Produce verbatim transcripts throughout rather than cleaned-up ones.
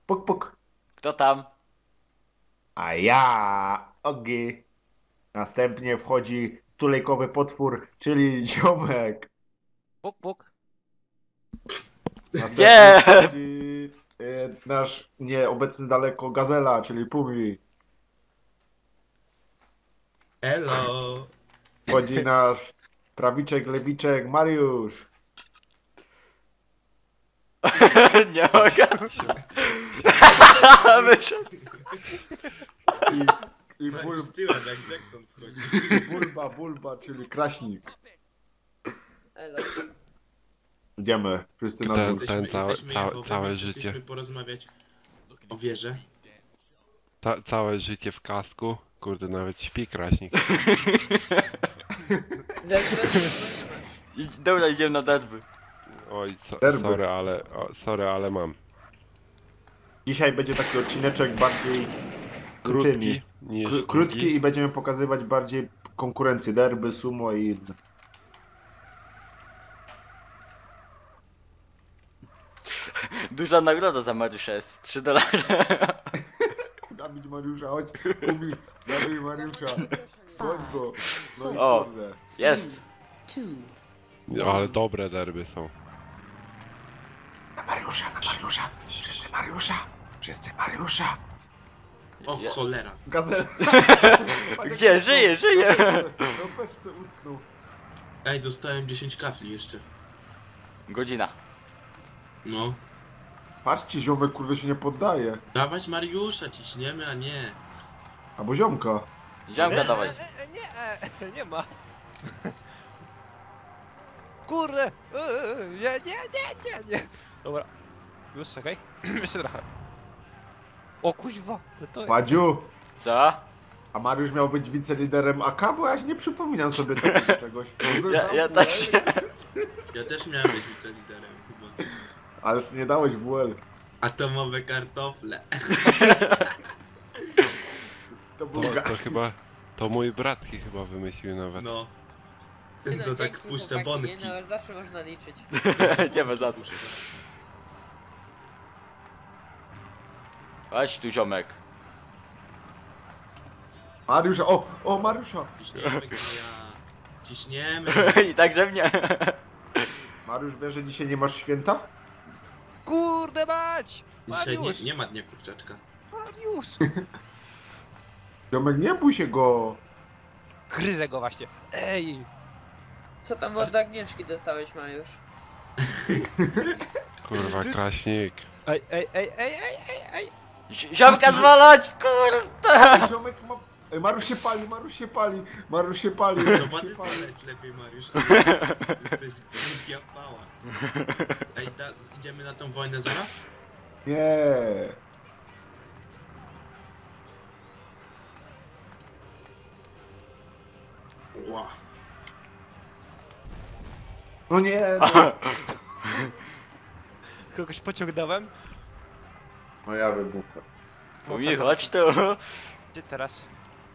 Puk, puk. Kto tam? A ja, Ogi. Następnie wchodzi tulejkowy potwór, czyli ziomek. Puk, puk. Następnie Gdzie? wchodzi e, nasz nieobecny daleko gazela, czyli Pumi. Elo! Wchodzi nasz prawiczek, lewiczek, Mariusz. Nie mogę. Wyszedł. I, i bul, Mariusz tyłem, jak Jackson wchodzi. bulba, bulba, czyli kraśnik. Elo. Idziemy, wszyscy na Ten- dół. ten Jesteśmy, całe- jesteśmy całe- Jahowy, całe więc życie. Chcieliśmy porozmawiać o wierze. Ta, całe życie w kasku. Kurde, nawet śpi kraśnik. Zaraz Idź- Dobra, idziemy na derby. Oj, so, Derby. sorry, ale, o, sorry, ale mam. Dzisiaj będzie taki odcineczek bardziej Krótki tymi. niż Kró- Krótki długi. i będziemy pokazywać bardziej konkurencję, derby, sumo i inne. Duża nagroda za Mariusza jest. trzy dolary. Zabić Mariusza, chodź, Pumi, zabij Mariusza, chodź go. No i O. kurde. Jest. No, ale dobre derby są. Na Mariusza, na Mariusza, wszyscy Mariusza, wszyscy Mariusza. O Ja- cholera! Gazel. Gdzie? Żyje, żyje. No peszce utknął. Ej, dostałem dziesięć kafli jeszcze. Godzina. No. Patrzcie, ziomek kurde się nie poddaje. Dawać Mariusza, ciśniemy, a nie. Albo ziomka. Ziomka dawaj. E, e, nie, e, nie ma. Kurde! E, e, nie, nie, nie, nie, nie. Dobra. Już czekaj. Jeszcze trochę. O kuźwa, to to jest. Wadziu, Co? a Mariusz miał być wiceliderem A K, bo ja się nie przypominam sobie takiego czegoś. Ja, ja też nie. Ja też miałem być wiceliderem chyba. Ale nie dałeś W L. Atomowe kartofle. To był To, ga... to chyba, to mój bratki chyba wymyślił nawet. No. Ten co tak puszcza bonki. Nie, no, zawsze można liczyć. Nie ma za co. Chodź tu, ziomek. Mariusza, o, o Mariusza. Ciśniemy go ja. Ciśniemy. I także mnie. Mariusz wie, że dzisiaj nie masz święta? Kurde mać! Dzisiaj nie, Mariusz! nie ma dnia kurczaczka. Mariusz! Ziomek, nie bój się go. Gryzę go właśnie. Ej! Co tam od Agnieszki dostałeś, Mariusz? Kurwa, kraśnik. Ej, ej, ej, ej, ej, ej, ej! Zi- Ziomka zwalać, kurde. Ziomek ma... Ej, Mariusz się pali, Mariusz się pali, Mariusz się pali. To Mariusz wady się pali. saleć lepiej, Mariusz. Jesteś głupia pała. Ej, da, idziemy na tą wojnę zaraz? Nie. Ła. No nie, no. Kogoś pociągnąłem? No ja wybuchę. Mówi, chodź tu. Gdzie teraz?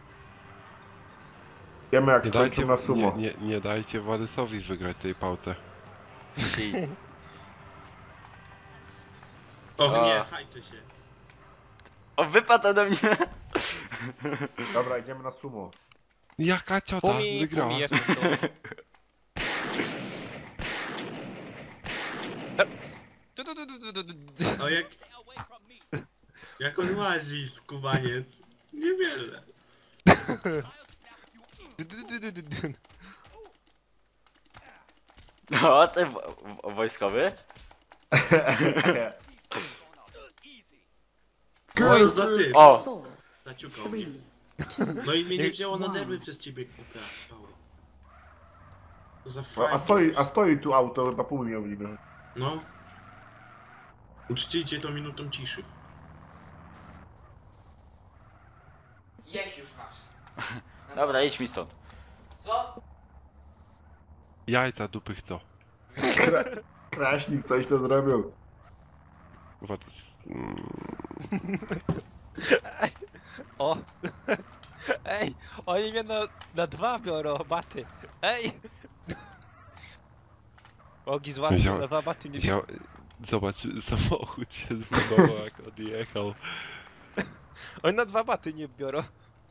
Wiemy jak Nie skończył dajcie, na sumo. nie, nie, nie dajcie Władysowi wygrać tej pałce. Si. Och A. nie, hajcie się. O, wypadł ode mnie. Dobra, idziemy na sumo. Jaka ciota Pumi, wygrała? pumi, jestem tu. E, tu, tu, tu, tu, tu, tu, tu. O jak... Jak on łazi, skubaniec. Niewiele. Du, du, du, du, du, du. No, ty wo- wo- wojskowy. Co za ty? O, Zaciukał mnie. No i mnie nie wzięło na nerwy przez ciebie, kupia. Co za A fajnie. stoi, a stoi tu auto, chyba pół miał niby. No. Uczcijcie to minutą ciszy. Jeść już masz. dobra, idź mi stąd. Co? Jajca dupy chcą. Kra... Kraśnik coś to zrobił. Kurwa, to jest- mm, O! Ej! Oni mnie na, na dwa biorą, baty! Ej! Ogi z łapy Wziął- na dwa baty nie wziął, Zobacz, samochód się zbudował jak odjechał. Oni na dwa baty nie biorą.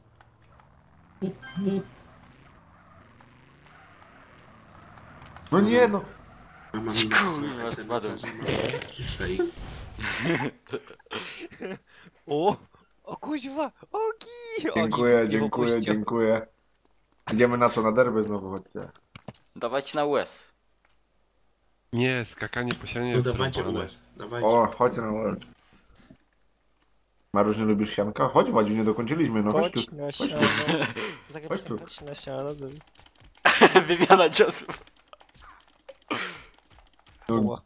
No nie no! A mam Kurwa, spadłem. Ciszej. O! O kuźwa! Ogi! Dziękuję, dziękuję, dziękuję. Idziemy na co? Na derby znowu chodźcie. Dawajcie na U S. Nie, skakanie po ścianie No jest dawajcie zrobione. U S. Dawajcie. O, chodź na łeb. Mariusz, nie lubisz sianka? Chodź Wadziu, nie dokończyliśmy, no chodź tu. Chodź na Chodź siano. tu. Takie Chodź tu. chodź na siano. żeby- Wymiana ciosów. Ła.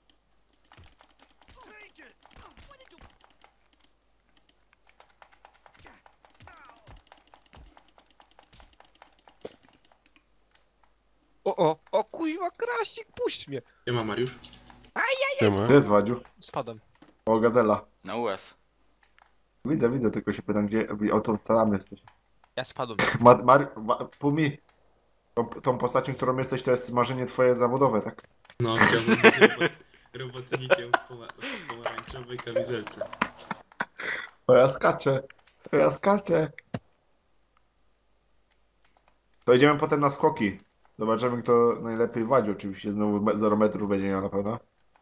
O, o, o kuźwa, Krasik, puść mnie! Gdzie ma Mariusz? Siema. Gdzie jest Wadziu? Spadam. O, gazela. Na U S. Widzę, widzę, tylko się pytam, gdzie... O, to tam jesteś. Ja spadłem. Ma, Mar... Ma, Pumi, tą, tą postacią, którą jesteś, to jest marzenie twoje zawodowe, tak? No, chciałbym być robot, robotnikiem w, poma w pomarańczowej kamizelce. O, ja skaczę. O, ja skaczę. To idziemy potem na skoki. Zobaczymy, kto najlepiej wadzi. Oczywiście znowu me- zero metrów będzie miał na pewno.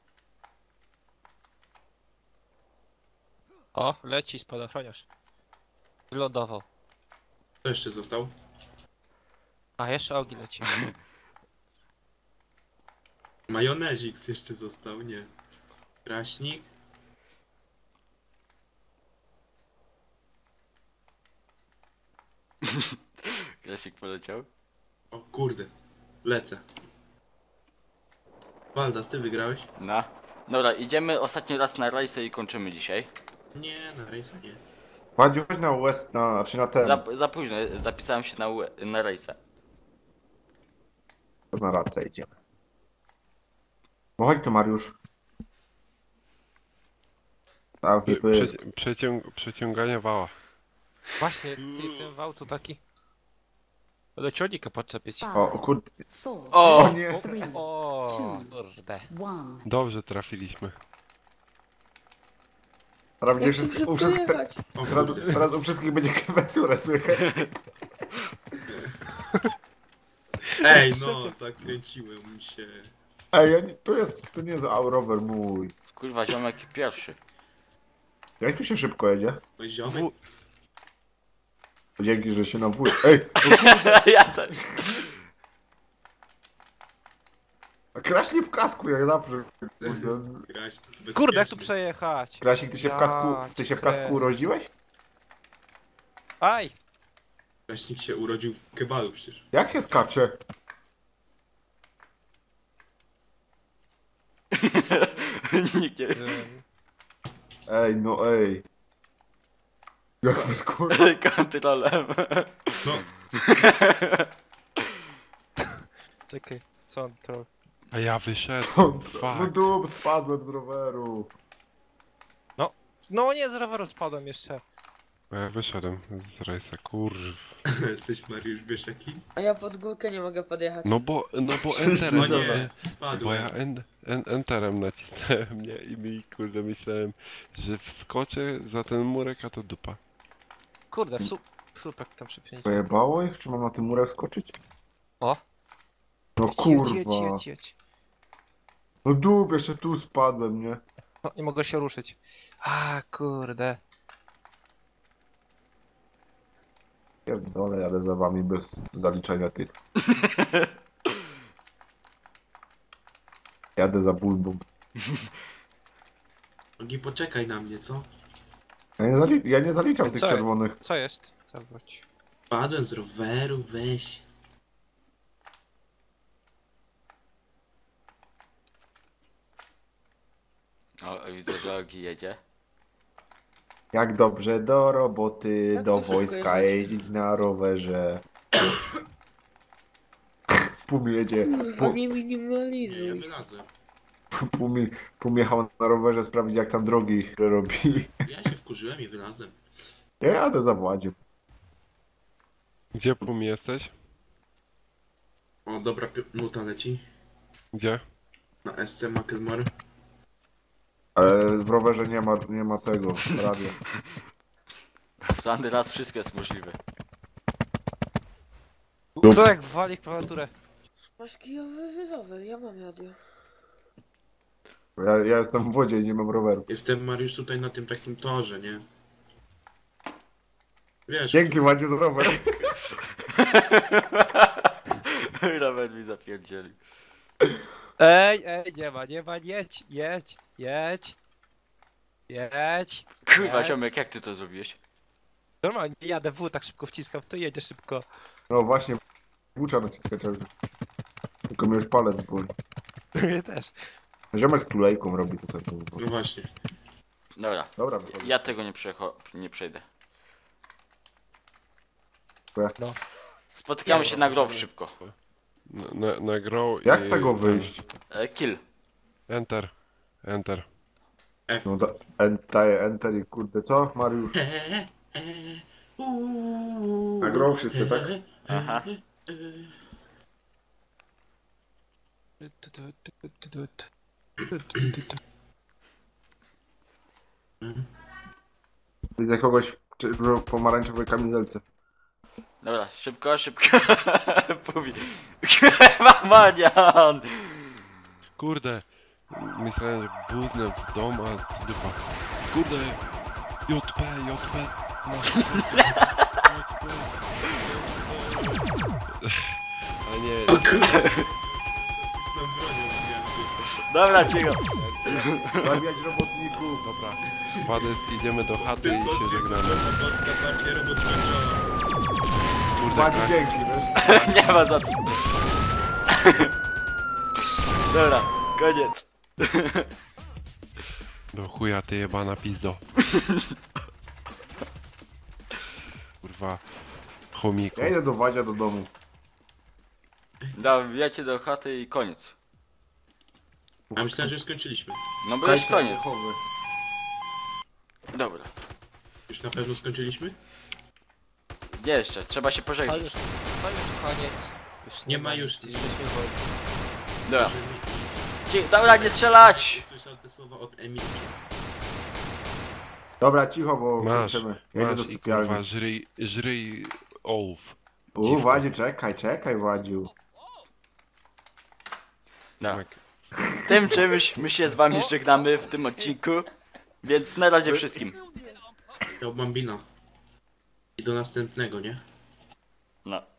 O, leci spadochroniarz. Wylądował. Kto jeszcze został? A, jeszcze Ogi leci. Majonezik jeszcze został, nie. Kraśnik. Klasik poleciał. O kurde. Lecę. Waldas, ty wygrałeś? No. Dobra, idziemy ostatni raz na rajsę i kończymy dzisiaj. Nie, na rejsa nie. Wadziu, chodź na U S, na, czy na ten. Za, za późno, zapisałem się na, U- na rajsę. To na rację idziemy. No chodź tu, Mariusz. Tak, Prze typy. przeciąg przeciąganie wała. Właśnie, ty, ten wał to taki... Do ciągnika podczepić. O, o kurde. Four, O! O nie. three, O, kurde. one. Dobrze trafiliśmy. Teraz będzie Jak tu wszystko, u szybko wszystkich, te, jechać? O teraz, kurde. teraz u wszystkich będzie klawiaturę słychać. Ej, no, zakręciłem się. Ej, ja nie, to jest, to nie jest a, rower mój. Kurwa, ziomek pierwszy. Jak tu się szybko jedzie? No ziomek. Dzięki, że się nawój. Ej, Ja też. a Kraśnik w kasku, jak zawsze. Kurde. Kraśnik, Kurde, jak tu bezpieczny. przejechać? Krasik, ty się w Ja kasku, ty się w kasku kręcę. urodziłeś? Aj! Kraśnik się urodził w kebalu przecież. Jak się skacze? Nikt nie... Ym, Ej, no ej. Jak to skur... Kontrolem. No, Czekaj, co on to... A ja wyszedłem. No Fuck. dup, spadłem z roweru. No nie, z roweru spadłem jeszcze. A ja wyszedłem z rejsa, kurw. jesteś Mariusz Wieszaki? A ja pod górkę nie mogę podjechać. No bo, no bo Wszyscy enterem, O Dobra. nie, nie? Bo spadłem. ja en, en, enterem nacisnąłem, nie? I mi, kurde, myślałem, że wskoczę za ten murek, a to dupa. Kurde, su słupek tam przypięcie. Pojebało ich? Czy mam na tym murek skoczyć? O! No Jedź, jedź, jedź, kurwa. jedź, jedź. No dup, jeszcze tu spadłem, nie? No, nie mogę się ruszyć. A kurde. Pierdolę, jadę za wami bez zaliczenia tych. Jadę za bulbą. Ogi, poczekaj na mnie, co? Ja nie, zali ja nie zaliczam tych Co? czerwonych. Co jest? Zawróć. Spadłem z roweru, weź. O, widzę, że Ogi jedzie. Jak dobrze do roboty, Jak do to szybko wojska jechać? jeździć na rowerze. Pum jedzie, Kurwa, pum, nie Nie, ja minimalizuj. wylazłem. pum, pum jechał na rowerze sprawdzić jak tam drogi robi. Ja się wkurzyłem i wylazłem. Ja jadę za Władziem. Gdzie Pum jesteś? O, dobra pi- nuta leci. Gdzie? Na S C Macklemore. Ale w rowerze nie ma, nie ma tego, radia. W Sandy raz wszystko jest możliwe. Kto jak wali w klawiaturę? Masz kijowy rower, ja mam radio. Ja, ja jestem w wodzie i nie mam roweru. Jestem, Mariusz, tutaj na tym takim torze, nie? Wiesz, Dzięki Maciu za rower. Robert mi zapierdzieli. Ej, ej, nie ma, nie ma, jedź, jedź, jedź. Jedź. Kurwa, jedź. ziomek, jak ty to zrobiłeś? Normalnie jadę w, tak szybko wciskam, to jedzie szybko. No właśnie, włócza naciskać. Tylko mi już palec boli. Mnie też. Ziomek z tulejką robi tutaj. no właśnie. Dobra, Dobra, wychodzi. ja tego nie, przecho- nie przejdę. No. Spotykamy Nie, się no, na grow możemy. szybko. Na, na, na grow Jak i z tego ten- wyjść? E, kill. Enter. Enter. F. No da, en, daję enter i kurde, co Mariusz? Na grą wszyscy, tak? Aha. Widzę kogoś w czy- w pomarańczowej kamizelce. Dobra, szybko, szybko. Mówi. Kurwa, manian! Kurde. Myślałem, że budnę w dom, a dupa. Kurde. J P, J P. No. A nie, No bronią mnie. Dobra, cicho. Zabijać robotników. dobra. Wades, idziemy do chaty i Tylko się żegnamy. Polska partia robot skończona. Kurde, Maciu, krak. dzięki, wiesz? Nie ma za co. Dobra, koniec. Do chuja, ty jebana pizdo. Kurwa. Chomiku. Ja idę do Wadzia do domu. Dobra, wbijacie do chaty i koniec. A myślałem, że już skończyliśmy. No bo już Kajcie, koniec. chowy. Dobra. Już na pewno skończyliśmy? Nie jeszcze, trzeba się To pożegnać. już, to już koniec. Już Nie ma już- Jesteśmy wolni. Dobra. Cie- Dobra, nie strzelać! Słyszał te słowa od Emilki. Dobra, cicho, bo Masz, kończymy. Ja idę do masz i kurwa, sypialni. żryj, żryj ołów. U, Wadziu, czekaj, czekaj, Wadziu. No. Tak. Tym czymś my się z wami żegnamy w tym odcinku. Więc na razie wszystkim. To Bambina. I do następnego, nie? No.